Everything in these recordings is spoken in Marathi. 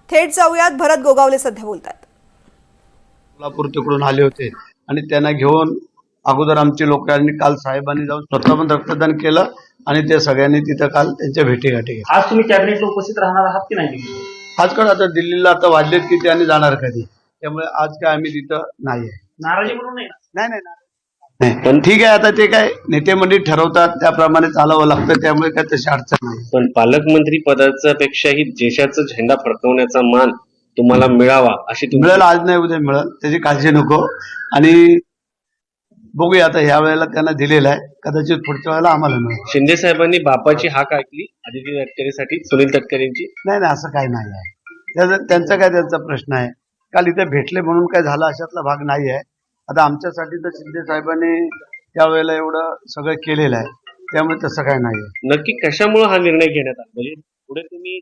थेट जाऊयात, भरत गोगावले सध्या बोलतात. सोलापूर तिकडून आले होते आणि त्यांना घेऊन अगोदर आमचे लोकांनी काल साहेबांनी जाऊन स्वतः पण रक्तदान केलं आणि ते सगळ्यांनी तिथं काल त्यांच्या भेटीगाठी घेतल्या. आज तुम्ही कॅबिनेटला उपस्थित राहणार आहात की नाही? आजकाल आता दिल्लीला आता वाजलेत की त्यांनी जाणार कधी, त्यामुळे आज काय आम्ही तिथं नाही आहे. नाराजी म्हणून नाही. नाही पण ठीक आहे, आता ते काय नेते मंडळी ठरवतात त्याप्रमाणे चालावं लागतं, त्यामुळे काय तशी अडचण नाही. पण पालकमंत्री पदाचा पेक्षाही देशाचा झेंडा फडकवण्याचा मान तुम्हाला मिळावा अशी मिळेल, आज नाही उद्या मिळेल, त्याची काळजी नको. आणि बघूया आता ह्या वेळेला त्यांना दिलेला आहे, कदाचित पुढच्या वेळेला आम्हाला मिळेल. शिंदे साहेबांनी बापाची हाक ऐकली आदिती तटकरेसाठी, सुनील तटकरेंची. नाही असं काही नाही आहे, त्यांचा काय त्यांचा प्रश्न आहे. काल इथे भेटले म्हणून काय झालं अशातला भाग नाही आहे. आता आमच्यासाठी तर शिंदे साहेबांनी त्यावेळेला एवढं सगळं केलेलं आहे, त्यामुळे तसं काय नाही आहे. नक्की कशामुळे हा निर्णय घेण्यात आला? म्हणजे पुढे तुम्ही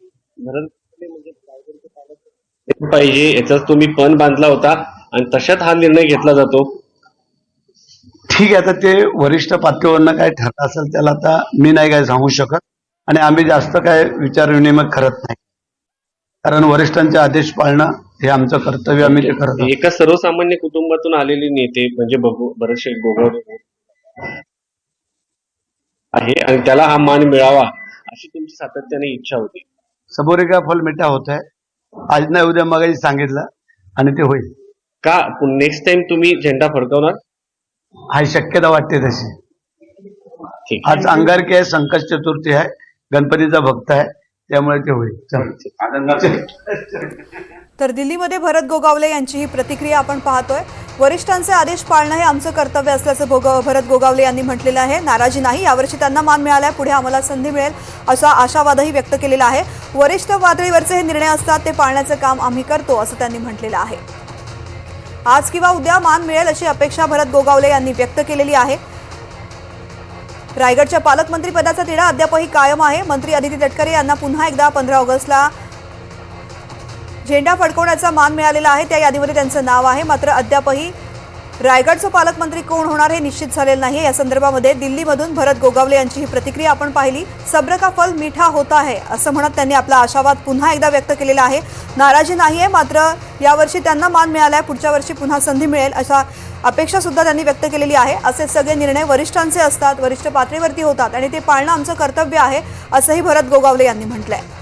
पाहिजे याचा तुम्ही पण बांधला होता आणि तशात हा निर्णय घेतला जातो. ठीक आहे, आता ते वरिष्ठ पातळीवरनं काय ठरत असेल त्याला आता मी नाही काय सांगू शकत आणि आम्ही जास्त काय विचार विनिमय करत नाही, कारण वरिष्ठांचे आदेश पाळणं हे आमचं कर्तव्य, आम्ही ते करत आहोत. एका सर्वसामान्य कुटुंबातून आलेले नेते म्हणजे भरत गोगावले आहे आणि त्याला हा मान मिळावा अशी तुमची सातत्याने इच्छा होती. सबोरे का फल मिठा होत आहे, आज नाही उद्या मगाशी सांगितलं आणि ते होईल. का नेक्स्ट टाइम तुम्ही झेंडा फडकवणार? हा शक्यता वाटते तशी. ठीक. आज अंगारकी आहे, संकट चतुर्थी आहे, गणपतीचा भक्त आहे, त्यामुळे ते होईल. तर दिल्लीमध्ये भरत गोगावले यांची ही प्रतिक्रिया आपण पाहतोय. वरिष्ठांचे आदेश पाळणं हे आमचं कर्तव्य असल्याचं भरत गोगावले यांनी म्हटलेलं आहे. नाराजी नाही, यावर्षी त्यांना मान मिळालाय, पुढे आम्हाला संधी मिळेल असा आशावादही व्यक्त केलेला आहे. वरिष्ठ पातळीवरचे हे निर्णय असतात, ते पाळण्याचं काम आम्ही करतो असं त्यांनी म्हटलेलं आहे. आज किंवा उद्या मान मिळेल अशी अपेक्षा भरत गोगावले यांनी व्यक्त केलेली आहे. रायगडच्या पालकमंत्री पदाचा तिढा अद्यापही कायम आहे. मंत्री आदिती तटकरे यांना पुन्हा एकदा 15 ऑगस्टला झेंडा फडकवण्याचा मान मिळालेला आहे, त्या यादीमध्ये त्यांचं नाव आहे. मात्र अद्यापही रायगडचं पालकमंत्री कोण होणार हे निश्चित झालेलं नाही. या संदर्भामध्ये दिल्लीमधून भरत गोगावले यांची ही प्रतिक्रिया आपण पाहिली. सब्र का फल मीठा होता है असं म्हणत त्यांनी आपला आशावाद पुन्हा एकदा व्यक्त केलेला आहे. नाराजी नाही आहे, मात्र यावर्षी त्यांना मान मिळालाय, पुढच्या वर्षी पुन्हा संधी मिळेल अशा अपेक्षा सुद्धा त्यांनी व्यक्त केलेली आहे. असे सगळे निर्णय वरिष्ठांचे असतात, वरिष्ठ पातळीवरती होतात आणि ते पाळणं आमचं कर्तव्य आहे असंही भरत गोगावले यांनी म्हटलंय.